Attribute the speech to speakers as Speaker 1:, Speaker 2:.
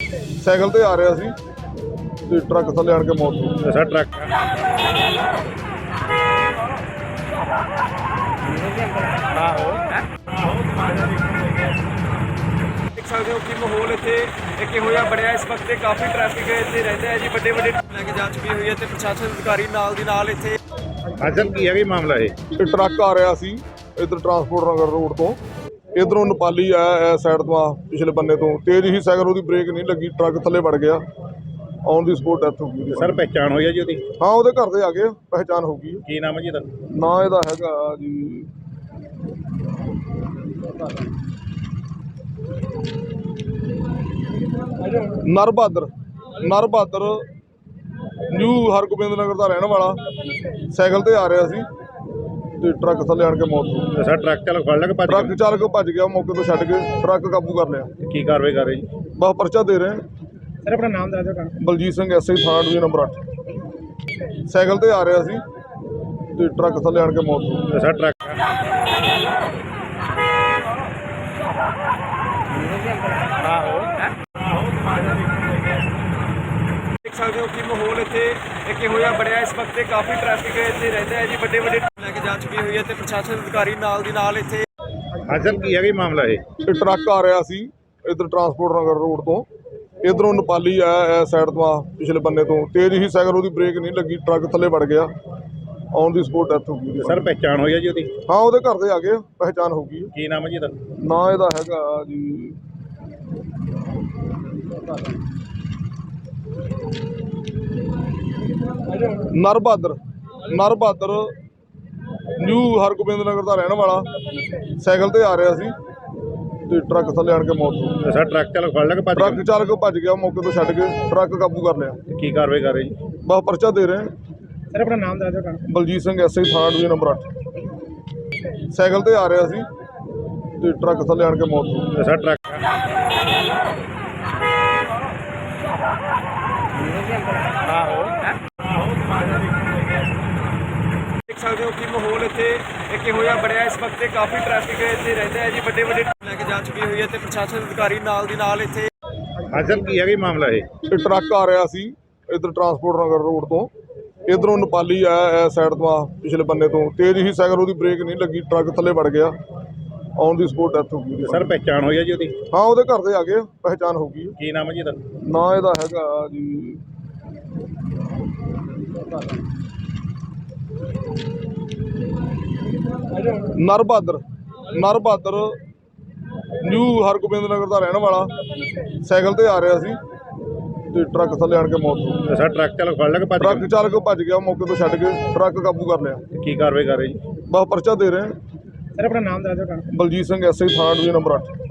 Speaker 1: Cycle ਤੇ ਆ ਰਿਹਾ ਸੀ ਤੇ ਟਰੱਕ ਥੱਲੇ ਆਣ ਕੇ ਮੌਤ ਹੋ ਗਈ।
Speaker 2: ਅੱਛਾ ਟਰੱਕ
Speaker 3: देख सकते हो कि माहौल इतने एक होया बढ़िया इस वक्त काफ़ी ट्रैफिक इतने रहता है जी बड़े बड़े लैके जा चुकी हुई है तो प्रशासन अधिकारी नाल दी नाल इतने
Speaker 2: ਅਸਲ ਕੀ ਹੈ ਕੀ ਮਾਮਲਾ ਇਹ
Speaker 1: ਇਹ ਟਰੱਕ ਆ ਰਿਹਾ ਸੀ ਇੱਧਰ ਟਰਾਂਸਪੋਰਟ ਨਗਰ ਰੋਡ ਤੋਂ ਇਧਰੋਂ ਨੇਪਾਲੀ ਆਇਆ ਇਸ ਸਾਈਡ ਤੋਂ ਆ ਪਿਛਲੇ ਬੰਨੇ ਤੋਂ ਤੇਜ਼ ਹੀ ਸਾਈਕਲ ਉਹਦੀ ਬ੍ਰੇਕ ਨਹੀਂ ਲੱਗੀ ਟਰੱਕ ਥੱਲੇ ਵੜ ਗਿਆ ਔਨ ਦੀ ਸਪੋਟ ਡੈਥ ਹੋ ਗਈ।
Speaker 2: ਸਰ ਪਹਿਚਾਣ ਹੋਈ ਹੈ ਜੀ ਉਹਦੀ
Speaker 1: ਹਾਂ ਉਹਦੇ ਘਰ ਦੇ ਆ ਗਏ ਪਹਿਚਾਣ ਹੋ ਗਈ।
Speaker 2: ਕੀ ਨਾਮ ਹੈ ਜੀ ਇਹਦਾ
Speaker 1: ਨਾਂ ਇਹਦਾ ਹੈਗਾ ਜੀ ਨਰ ਬਹਾਦਰ ਨਿਊ ਹਰਗੋਬਿੰਦ ਨਗਰ ਦਾ ਰਹਿਣ ਵਾਲਾ ਸਾਈਕਲ ਤੇ ਆ ਰਿਹਾ ਸੀ ਤੇ ਟਰੱਕ ਥੱਲੇ ਆਣ ਕੇ ਮੌਤ ਹੋ ਗਈ।
Speaker 2: ਅੱਛਾ ਟਰੱਕ ਚਾਲਕ ਫੜ ਲੱਗ ਭੱਜ
Speaker 1: ਟਰੱਕ ਚਾਲਕ ਭੱਜ ਗਿਆ ਮੌਕੇ ਤੋਂ ਛੱਡ ਕੇ ਟਰੱਕ ਕਾਬੂ ਕਰ ਲਿਆ।
Speaker 2: ਗਿਆ। ਕੀ ਕਾਰਵਾਈ ਕਰ ਰਹੇ ਜੀ
Speaker 1: ਬਸ ਪਰਚਾ ਦੇ ਰਹੇ
Speaker 2: ਸਰ ਆਪਣਾ ਨਾਮ ਦੱਸ ਦਿਓ
Speaker 1: ਬਲਜੀਤ ਸਿੰਘ ਐਸਆਈ ਥਾਣਾ ਡਿਵੀਜ਼ਨ ਨੰਬਰ 8 ਸਾਈਕਲ ਤੇ ਆ ਰਿਹਾ ਸੀ ਤੇ ਟਰੱਕ ਥੱਲੇ ਆਣ ਕੇ ਮੌਤ ਹੋ ਗਈ।
Speaker 2: ਅੱਛਾ ਟਰੱਕ
Speaker 3: देख सकते हो कि माहौल इतने एक होया बढ़िया इस वक्त काफ़ी ट्रैफिक इतने रहता है जी बड़े बड़े लैके जा चुकी हुई है तो प्रशासन अधिकारी नाल दी नाल इतने
Speaker 2: ਅਸਲ ਕੀ ਹੈ ਕੀ ਮਾਮਲਾ ਇਹ
Speaker 1: ਇਹ ਟਰੱਕ ਆ ਰਿਹਾ ਸੀ ਇੱਧਰ ਟਰਾਂਸਪੋਰਟ ਨਗਰ ਰੋਡ ਤੋਂ ਇਧਰੋਂ ਨੇਪਾਲੀ ਆਇਆ ਇਸ ਸਾਈਡ ਤੋਂ ਆ ਪਿਛਲੇ ਬੰਨੇ ਤੋਂ ਤੇਜ਼ ਹੀ ਸਾਈਕਲ ਉਹਦੀ ਬ੍ਰੇਕ ਨਹੀਂ ਲੱਗੀ ਟਰੱਕ ਥੱਲੇ ਵੜ ਗਿਆ ਔਨ ਦੀ ਸਪੋਟ ਡੈਥ ਹੋ ਗਈ।
Speaker 2: ਸਰ ਪਹਿਚਾਣ ਹੋਈ ਹੈ ਜੀ ਉਹਦੀ
Speaker 1: ਹਾਂ ਉਹਦੇ ਘਰ ਦੇ ਆ ਗਏ ਪਹਿਚਾਣ ਹੋ ਗਈ।
Speaker 2: ਕੀ ਨਾਮ ਹੈ ਜੀ ਇਹਦਾ
Speaker 1: ਨਾਂ ਇਹਦਾ ਹੈਗਾ ਜੀ ਨਰ ਬਹਾਦਰ ਨਿਊ ਹਰਗੋਬਿੰਦ ਨਗਰ ਦਾ ਰਹਿਣ ਵਾਲਾ ਸਾਈਕਲ ਤੇ ਆ ਰਿਹਾ ਸੀ ਤੇ ਟਰੱਕ ਥੱਲੇ ਆਣ ਕੇ ਮੌਤ ਹੋ ਗਈ।
Speaker 2: ਅੱਛਾ ਟਰੱਕ ਚਾਲਕ ਫੜ ਲੱਗ ਭੱਜ
Speaker 1: ਟਰੱਕ ਚਾਲਕ ਭੱਜ ਗਿਆ ਮੌਕੇ ਤੋਂ ਛੱਡ ਕੇ ਟਰੱਕ ਕਾਬੂ ਕਰ ਲਿਆ।
Speaker 2: ਗਿਆ। ਕੀ ਕਾਰਵਾਈ ਕਰ ਰਹੇ ਜੀ
Speaker 1: ਬਸ ਪਰਚਾ ਦੇ ਰਹੇ
Speaker 2: ਸਰ ਆਪਣਾ ਨਾਮ ਦੱਸ ਦਿਓ
Speaker 1: ਬਲਜੀਤ ਸਿੰਘ ਐਸਆਈ ਥਾਣਾ ਡਿਵੀਜ਼ਨ ਨੰਬਰ 8 ਸਾਈਕਲ ਤੇ ਆ ਰਿਹਾ ਸੀ ਤੇ ਟਰੱਕ ਥੱਲੇ ਆਣ ਕੇ ਮੌਤ ਹੋ ਗਈ।
Speaker 2: ਅੱਛਾ ਟਰੱਕ
Speaker 3: देख सकते हो कि माहौल इतने एक होया बढ़िया इस वक्त काफ़ी ट्रैफिक इतने रहता है जी बड़े बड़े लैके जा चुकी हुई है तो प्रशासन अधिकारी नाल दी नाल इतने
Speaker 2: ਅਸਲ ਕੀ ਹੈ ਕੀ ਮਾਮਲਾ ਇਹ
Speaker 1: ਇਹ ਟਰੱਕ ਆ ਰਿਹਾ ਸੀ ਇੱਧਰ ਟਰਾਂਸਪੋਰਟ ਨਗਰ ਰੋਡ ਤੋਂ ਇਧਰੋਂ ਨੇਪਾਲੀ ਆਇਆ ਇਸ ਸਾਈਡ ਤੋਂ ਆ ਪਿਛਲੇ ਬੰਨੇ ਤੋਂ ਤੇਜ਼ ਹੀ ਸਾਈਕਲ ਉਹਦੀ ਬ੍ਰੇਕ ਨਹੀਂ ਲੱਗੀ ਟਰੱਕ ਥੱਲੇ ਵੜ ਗਿਆ ਔਨ ਦੀ ਸਪੋਟ ਡੈਥ ਹੋ ਗਈ।
Speaker 2: ਸਰ ਪਹਿਚਾਣ ਹੋਈ ਹੈ ਜੀ ਉਹਦੀ
Speaker 1: ਹਾਂ ਉਹਦੇ ਘਰ ਦੇ ਆ ਗਏ ਪਹਿਚਾਣ ਹੋ ਗਈ।
Speaker 2: ਕੀ ਨਾਮ ਹੈ ਜੀ ਇਹਦਾ
Speaker 1: ਨਾਂ ਇਹਦਾ ਹੈਗਾ ਜੀ ਨਰ ਬਹਾਦਰ ਨਿਊ ਹਰਗੋਬਿੰਦ ਨਗਰ ਦਾ ਰਹਿਣ ਵਾਲਾ ਸਾਈਕਲ ਤੇ ਆ ਰਿਹਾ ਸੀ ਤੇ ਟਰੱਕ ਥੱਲੇ ਆਣ ਕੇ ਮੌਤ ਹੋ ਗਈ।
Speaker 2: ਅੱਛਾ ਟਰੱਕ ਚਾਲਕ ਫੜ ਲੱਗ ਭੱਜ
Speaker 1: ਟਰੱਕ ਚਾਲਕ ਭੱਜ ਗਿਆ ਮੌਕੇ ਤੋਂ ਛੱਡ ਕੇ ਟਰੱਕ ਕਾਬੂ ਕਰ ਲਿਆ।
Speaker 2: ਗਿਆ। ਕੀ ਕਾਰਵਾਈ ਕਰ ਰਹੇ ਜੀ
Speaker 1: ਬਸ ਪਰਚਾ ਦੇ ਰਹੇ
Speaker 2: ਸਰ ਆਪਣਾ ਨਾਮ ਦੱਸ ਦਿਓ
Speaker 1: ਬਲਜੀਤ ਸਿੰਘ ਐਸਆਈ ਥਾਣਾ ਡਿਵੀਜ਼ਨ ਨੰਬਰ 8